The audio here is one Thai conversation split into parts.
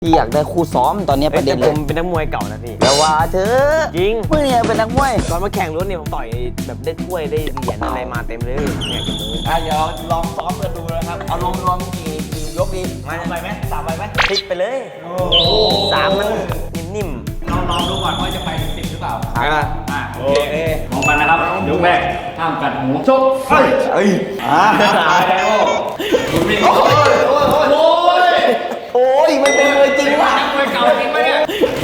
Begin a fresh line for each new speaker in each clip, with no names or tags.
พี่อยากได้คู่ซ้อมตอนนี้ประเด็นเลย
ผมเป็นนักมวยเก่านะพี่
แล้วว่าเธอ
จริง
มึงเนี่ยเป็นนักมวย
ตอนมาแข่งรถเนี่ยผมต่อยแบบได้ถ้วยได้เหรียญอะไรมาเต็มเลยเนี่ยกับมือ
เดี๋ยวลองซ้อมกันดูนะครับเอารวมกี่ยกดี
มาไปไหมสามไปไหมพลิกไปเลยสามมันนิ่ม
ลองดูก่อนว่าจะไปถึง10หรือเปล่าโอเคมองกันนะครับยกแรกห้ามกัดหูชกตายแล้ว
โอ้ยมันเป็นเลยจริงว่ะ
มวยเก่าจริงไหมเนี่ย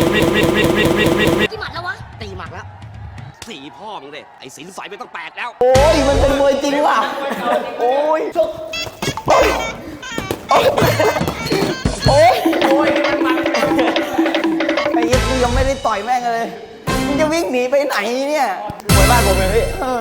กี่หมัดแล้ววะตีหมัดแล้วสีพ่อมึงเด็ไอ้สินใสไม่ต้องแปลกแล้ว
โอ้ยมันเป็นมวยจริงว่ะโอ้ยโอ้ยมันไอ้ยักษ์ยังไม่ได้ต่อยแม่งเลยมึงจะวิ่งหนีไปไหนเนี่ย
มวยบ้านผมเลยพี่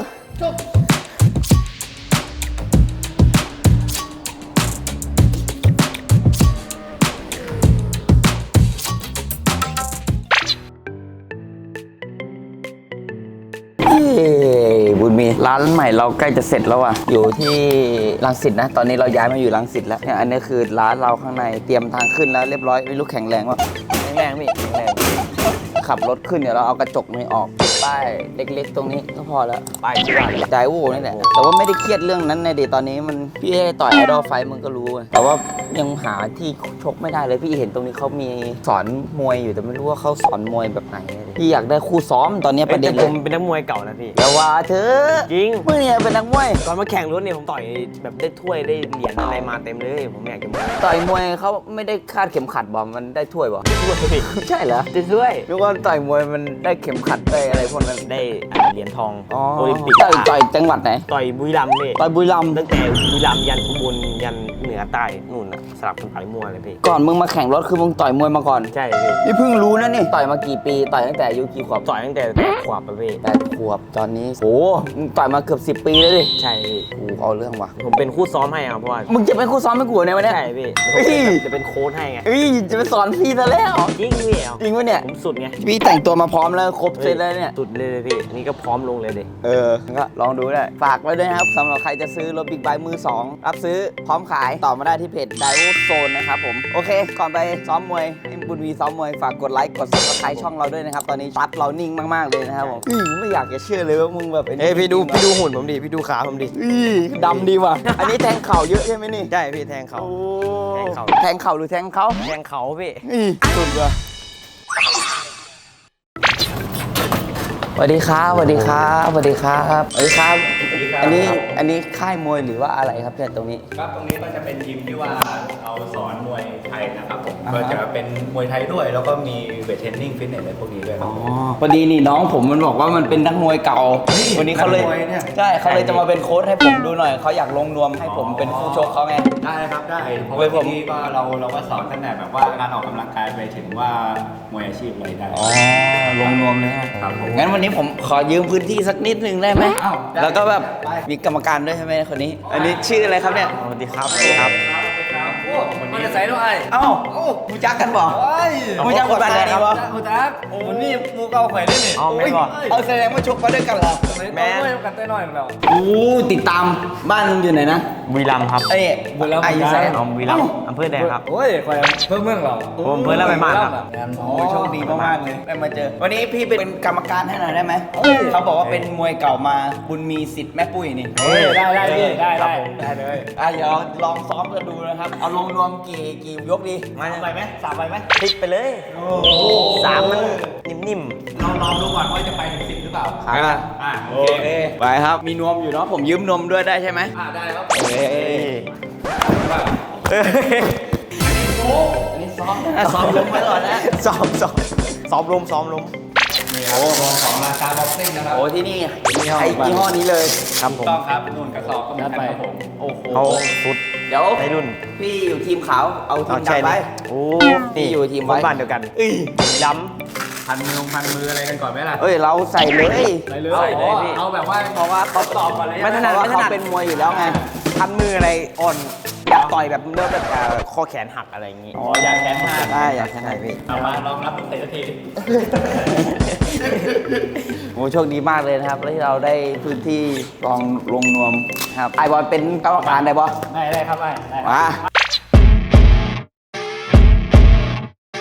บุญมีร้านใหม่เราใกล้จะเสร็จแล้วว่ะอยู่ที่รังสิตนะตอนนี้เราย้ายมาอยู่รังสิตแล้วเนี่ยอันนี้คือร้านเราข้างในเตรียมทางขึ้นแล้วเรียบร้อยไม่รู้แข็งแรงวะ
แรงพี่แรง
ขับรถขึ้นเดี๋ยวเราเอากระจกนี้ออกป้ายเล็กๆตรงนี้ก็พอแล้ว
ป้ายที่ว่า
ใจวูนี่แหละแต่ว่าไม่ได้เครียดเรื่องนั้นในเดตอนนี้มันพี่ให้ต่อยไอดอลไฟมึงก็รู้แต่ว่ายังหาที่ชกไม่ได้เลยพี่เห็นตรงนี้เขามีสอนมวยอยู่แต่ไม่รู้ว่าเขาสอนมวยแบบไหนพี่อยากได้คู่ซ้อมตอนนี้ประเด็นเลย
ผมเป็นนักมวยเก่านะพี่
แล้วว่าเธอ
จริง
มึงเนี่ยเป็นนักมวย
ตอนมาแข่งรถเนี่ยผมต่อยแบบได้ถ้วยได้เหรียญอะไรมาเต็มเลยผมอยากจะ
ต่อยมวยเขาไม่ได้คาดเข็มขัดบอมมันได้ถ้วยบอ
ถ้วยพี่
ใช่เหรอ
ได้ถ้วย
นึกว่าต่อยมวยมันได้เข็มขัดได้อะไรพวกนั้น
ได้เหรียญทอง
โอลิมปิกต่อยจังหวัดไหน
ต่อยบุรีรัมย์พี่
ต่อยบุรีรัมย์
ตั้งแต่บุรีรัมย์ยันอุบลยันเหนือใต้นู่นสลับกันต่อยมวยเลยพี่
ก่อนมึงมาแข่งรถคือมึงต่อยมวยมาก่อน
ใช่พี่
นี่เพิ่งรู้นะนี่ต่อยมากี่ปีต่อยตั้งแต่อายุกี่ขวบ
ต่อยตั้งแต่ขวบพี่
8 ขวบตอนนี้โอ้มึงต่อยมาเกือบ10 ปีแล้วดิ
ใช่พี่
เอาเรื่องว่ะ
ผมเป็นคู่ซ้อมให้ครับเพราะว่า
มึงจะเป็นคู่ซ้อมให้กูเนี่ยวันนี้
ใช่พี่จะเป็นโค้ชให้ไง
จะไปสอนพี่ซะแล้ว
จริงพี่
จริงวะเนี่ย
ผมสุดไง
พี่แต่งตัวมาพร้อมแล้วครบเสร็จแล้วเนี่ย
สุดเลยพี่นี่ก็พร้อมลงเลยดิ
ก็ลองดูได้ฝากไว้ด้วยนะครับสำหรับใครจะซื้อรถบิ๊กไบค์มือ2รับซื้อพร้อมขายต่อมาได้ที่เพจ Daewoo Zone นะครับผมโอเคก่อนไปซ้อมมวยให้บุญวีซ้อมมวยฝากกดไลค์กด Subscribe ช่องเราด้วยนะครับตอนนี้ซับเรานิ่งมากๆเลยนะครับผมไม่อยากจะเชื่อเลยว่ามึงแบบ
พี่ดูหุ่นผมดิพี่ดูขาผมดิ
ดำดีว่ะอันนี้แทงเข่าเยอะใช่ไหมนี่
ใช่พี่แทงเข่า
แทงเข่าหรือแทงเขา
แทงเขาพี่
สุดว่ะสวัสดีครับสวัสดีครับสวัสดีครับสวัสดีครับอันนี้ค่ายมวยหรือว่าอะไรครับเนี่ยตรงนี้
ครับตรงนี้ก็จะเป็นยิมที่ว่าเราสอนมวยไทยนะครับผมก็จะเป็นมวยไทยด้วยแล้วก็มีเวทเทรนนิ่งฟิตเนสอะไรพวกนี้ด้วยครับ
พอดีนี่น้องผมมันบอกว่ามันเป็นนักมวยเก่าวันนี้เขาเลยใช่เขาเลยจะมาเป็นโค้ชให้ผมดูหน่อยเขาอยากลงนวมให้ผมเป็นคู่ชกเขาไง
ได้ครับได้เพราะว่าที่นี่ก็เราก็สอนตั้งแต่แบบว่าการออกกำลังกายไปถึงว่ามวยอาชีพเลยได้
ลงนวมเลย
ครับผม
งั้นวันนี้ผมขอยืมพื้นที่สักนิดนึงได้ไหมแล้วก็แบบมีกรรมการด้วยใช่ไหมคนนี้อันนี้ชื่ออะไรครับเนี่ย
สวัสดีครับสวัสดีครับ
มันจะใส่ด้วย
มูจักกันบ่มูจักคนบ้านไหนบ่
มูจักวันนี้มูเก่าไข่ได้นี่
เอาแสดงว่าชกมาด้วยกันเหรอ
แม่กันได้หน่อยแล้ว
ติดตามบ้านมึงอยู่ไหนนะ
บุรีรัมย์ครับ
บุรีรัมย์อายุแสน
บุรีรัมย์อำเภอแดงครับ
โอ้ยคอยเพิ่มเมืองเรา
ผมเพิ่มแล้วไปบ้านครับ
โชคดีมากๆเลยได้มาเจอวันนี้พี่เป็นกรรมการให้หน่อยได้ไหมเขาบอกว่าเป็นมวยเก่ามาบุญมีสิทธิ์แม่ปุ้ยนี่
ได้เลยเ
ดี๋ยวลองซ้อมกันดูนะครับเอาลงรวมกี่ยกดี
มา
ไปไหม3ไปไหม
พลิกไปเลยสามมันนิ่ม
ลองดูก่อนว่าจะไปถึง10หรือเปล่า
โอเคไปครับมีนวมอยู่เนาะผมยืมนวมด้วยได้ใช่ไหม
ได้ครับ
อันนี้ซ้อมลมไว้ก่อนนะ
ซ้อมลม
ของราคาบ็อกซิ่งนะครับ
โอ้ที่นี่ใช้ยี่ห้อนี้เลย
ครับผมต้องครับนุ่นกระสอบก็มีครับผม
โอ้โหเขาสุด
เดี๋ยว
ไอ้รุ่น
พี่อยู่ทีมขาวเอาทีมดำไป
นี่
อยู่ทีม
บ้านเดียวกันด
พันมืออะไรกันก่อนไหมล่ะ
เราใส่เลย
พี่เอาแบบว่า
เพราะว่าเขา
สอบมาเลย
ไม่ถนัดเขาเป็นมวยอยู่แล้วไง
พันมืออะไรอ่อนอยากต่อยแบบเนื้อแบบข้อแขนหักอะไรอย่างงี้
อยากแขนหัก
ได้อยากแขนหักพี่
เอามาลองรับเตะที
โอ้โชคดีมากเลยนะครับที่เราได้พื้นที่ลองลงนวมครับไอบอลเป็นกรรมการได้บอ
ได้ครับได้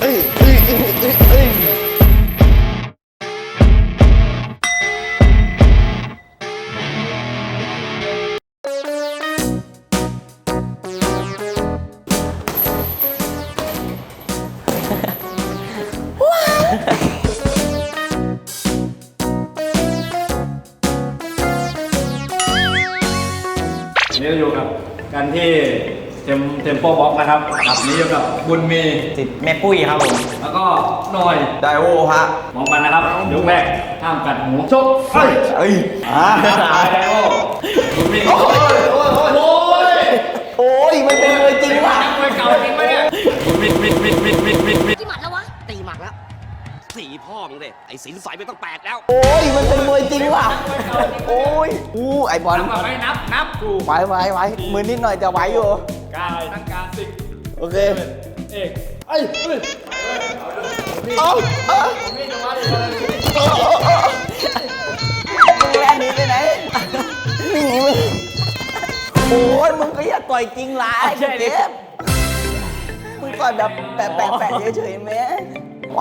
วันนี้เราอยู่กับกันที่เทมโปบ็อกนะครับครับนี้อยู่กับบุญมี
ติดแม่ปุ้ยครับผม
แล้วก็หน่อย
ไดโวฮะ
มองกันนะครับยกแรกห้ามกัดหูชกไฟ
เอ้ย
ตายแล้วบุญมีโอ้ย
โอ้ยมันเป็นมวยจริงว่ะ
มวยเก่าจริงไหมเนี่ยบุญมี
กี่หมัดแล้ววะ
ตีหมักแล้วสีพ่อมึงเลยไอ้สินใสไม่ต้องแปดแล้ว
โอ้ยมันเป็นมวยจริงว่ะโอ้ยไอบอล
นับไม่นับกู
ไหวมือนิดหน่อยจะไหวอยู่
กายตั้งการสิก
โอเค
เอกไอ้เฮ้ย
เอาเอา
มีจังหวะดีเลย
มึงแล่นหนีไปไหนหนีมึงโอ้ยมึงก็อย่าต่อยจริงหลายเจ็บมึงต่อยแบบแปะเฉยๆแม่ไหว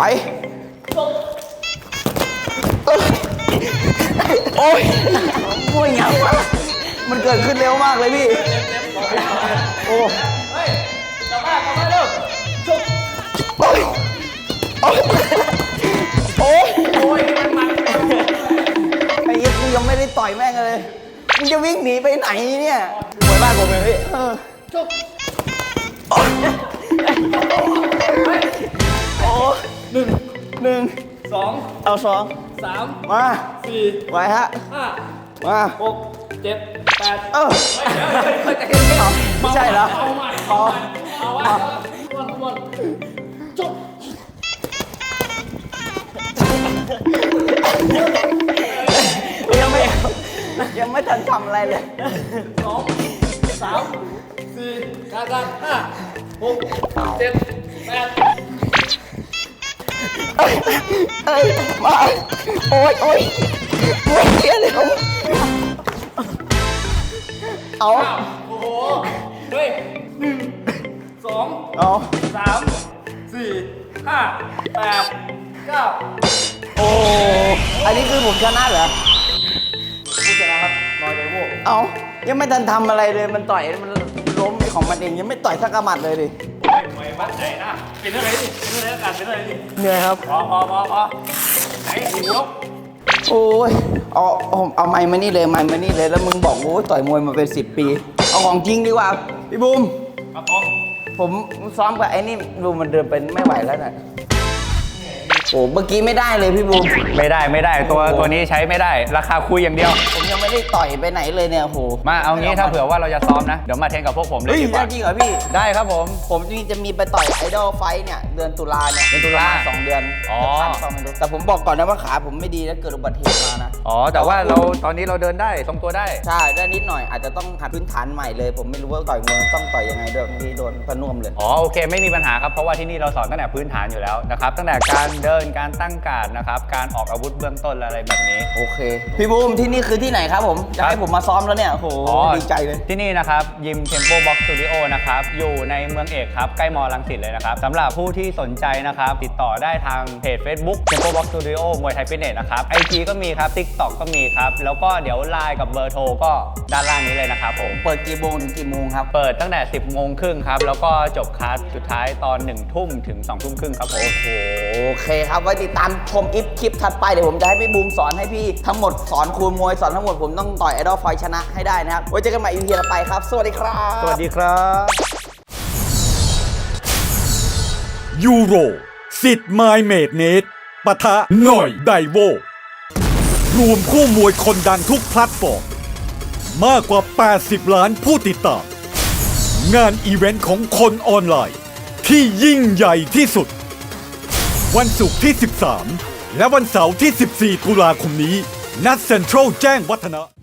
โอ้ยมวยหยังวะมันเกิดขึ้นเร็วมากเลยพี่โอ้
เฮ้ยกลับมาเร็วชก
โอ้ยโอ้ยโอ้ย
โอ้ยมัน
ไอ้ยี่กูยังไม่ได้ต่อยแม่งเลยมึงจะวิ่งหนีไปไหนเนี่ยมวยบ้านผมเลยพี่โอ้ยโอ้ยหนึ่ง
สอง
เอาสอง
สาม
มา
สี่
ไว้ฮะ
ห้า
มา
หกเจ็ดแปด
เออไม่ใช่เหรอ
เอาใหม่
อ๋อ
เอาไว้วน
ยังไม่ทันทำอะไรเลย
สองสามสี่การห้าหกเจ็ดแปด
เอ้ยมาโอ้ยโอ้ยเยอะเลยเอา
โอ้โหเฮ้ยหนึ่งสอง
เอา
สามสี่ห้าแปดเก้า
โอ้อันนี้คือผมชนะเหรอ
ผู้ชนะครับนอยเดโว
เอายังไม่ทันทำอะไรเลยมันต่อยมันล้มของมันเองยังไม่ต่อยสักกระหมัดเลยดิ
ไม่วัดไหนนะเป็นเรื่องอะไรดิเป็นเรื่องอะไรกันเป็นเรื่องอะไรดิ
เหนื่อยครับ
พอไหนหูยก
โอ้ยเอาไม้มานี่เลยไม้มานี่เลยแล้วมึงบอกโอ้ยต่อยมวยมาเป็น10 ปีเอาของจริงดีกว่าพี่บูม
ครับผม
ผมซ้อมกับไอ้นี่ดูมันเดินเป็นไม่ไหวแล้วน่ะโอ้เมื่อกี้ไม่ได้เลยพี่บูม
ไม่ได้ตัวนี้ใช้ไม่ได้ราคาคุยอย่างเดียว
ผมยังไม่ได้ต่อยไปไหนเลยเนี่ยโห
มาเอางี้ถ้าเผื่อว่าเราจะซ้อมนะ เดี๋ยวมาเทรนกับพวกผมเลย
เฮ้ย
ดีก
ได้
ว่า
จริงเหรอพี่
ได้ครับผม
ผมจริงๆจะมีไปต่อยไอดอลไฟท์เนี่ยเดือนตุลาเนี่ย
เดือนตุลา
ประมณ2 เดือน
อ๋อ
จะทันเปล่าไม่รู้แต่ผมบอกก่อนนะว่าขาผมไม่ดีแล้วเกิดอุบัติเหตุมานะ
อ๋อแต่ว่าเราตอนนี้เราเดินได้ทรงตัวได้
ใช่ได้นิดหน่อยอาจจะต้องหัดพื้นฐานใหม่เลย ผมไม่รู้ว่าต่อยมวยต้องต่อยยังไงด้วยบางทีโดนพะน่วมเลย
อ๋อโอเคไม่มีปัญหาครับเพราะว่าที่นี่เราสอนตั้งแต่พื้นฐานอยู่แล้วนะครับตั้งแต่การเดินการตั้งการ์ดนะครับการออกอาวุธเบื้องต้นอะไรแบบนี้
โอเคพี่บูมที่นี่คือที่ไหนครับผมจะให้ผมมาซ้อมแล้วเนี่ยโอ้โห
อ๋อ
ดีใจเลย
ที่นี่นะครับยิม Tempo Box Studio นะครับอยู่ในเมืองเอกครับใกล้มอรังสิตเลยนะครับสำหรับผู้ที่สนใจนะครับติดต่อได้ทางเพจ Facebook Tempo Box Studio มวยไทยฟิตเนสนะครับ IG ก็มีครับ TikTok ก็มีครับแล้วก็เดี๋ยวไลน์กับเบอร์โทรก็ด้านล่างนี้เลยนะครับผม
เปิดกี่โมงถึงกี่โมงครับ
เปิดตั้งแต่ 10 โมงครึ่งครับแล้วก็จบคลาสสุดท้ายตอน 1 ทุ่มถึง 2 ทุ่มครึ่งครับผม
โอเคครับไว้ติดตามชมคลิปถัดไปเดี๋ยวผมจะให้พี่บูมสอนให้พี่ทั้งหมดสอนครูมวยสอนทั้งหมดผมต้องต่อยไอดอลไฟชนะให้ได้นะครับไว้เจอกันใหม่ EP ต่อไปครับสวัสดีครับ
สวัสดีครับ
ยูโรสิทธิ์ไมเมดเนตปะทะหน่อยไดโวรวมคู่มวยคนดังทุกแพลตฟอร์ม มากกว่า 80 ล้านผู้ติดตาม งานอีเวนต์ของคนออนไลน์ ที่ยิ่งใหญ่ที่สุด วันศุกร์ที่ 13 และวันเสาร์ที่ 14 ตุลาคมนี้ นัดเซ็นทรัลแจ้งวัฒนะ